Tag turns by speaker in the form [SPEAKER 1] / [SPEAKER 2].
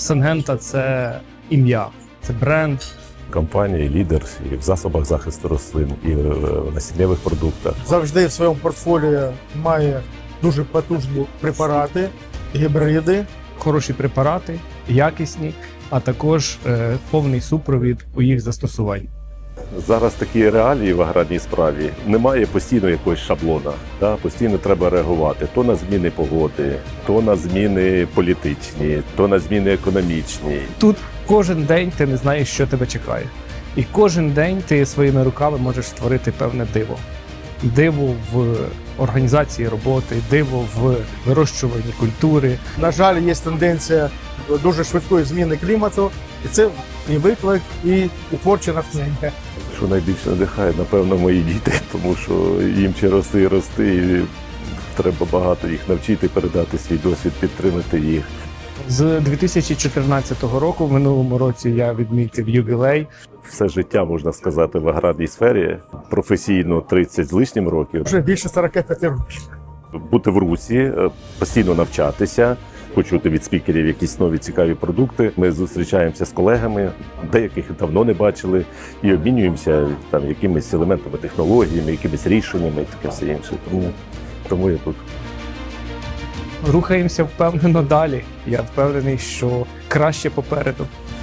[SPEAKER 1] Сингента – це ім'я, це бренд.
[SPEAKER 2] Компанія лідер і в засобах захисту рослин, і в насіннєвих продуктах.
[SPEAKER 3] Завжди в своєму портфоліо має дуже потужні препарати, гібриди.
[SPEAKER 1] Хороші препарати, якісні, а також повний супровід у їх застосуванні.
[SPEAKER 2] Зараз такі реалії в аграрній справі. Немає постійно якогось шаблона. Да? Постійно треба реагувати то на зміни погоди, то на зміни політичні, то на зміни економічні.
[SPEAKER 1] Тут кожен день ти не знаєш, що тебе чекає. І кожен день ти своїми руками можеш створити певне диво. Диво в організації роботи, диво в вирощуванні культури.
[SPEAKER 3] На жаль, є тенденція дуже швидкої зміни клімату, і це і виклик, і творче натхнення.
[SPEAKER 2] Що найбільше надихає, напевно, мої діти, тому що їм ще рости і рости, і треба багато їх навчити, передати свій досвід, підтримати їх.
[SPEAKER 1] З 2014 року, в минулому році, я відмітив ювілей.
[SPEAKER 2] Все життя, можна сказати, в аграрній сфері, професійно 30 з лишнім років.
[SPEAKER 3] Вже більше 45 років.
[SPEAKER 2] Бути в русі, постійно навчатися, почути від спікерів якісь нові цікаві продукти. Ми зустрічаємося з колегами, деяких давно не бачили, і обмінюємося там якимись елементами, технологіями, якимись рішеннями і таке все інше. Тому я тут.
[SPEAKER 1] Рухаємося впевнено далі. Я впевнений, що краще попереду.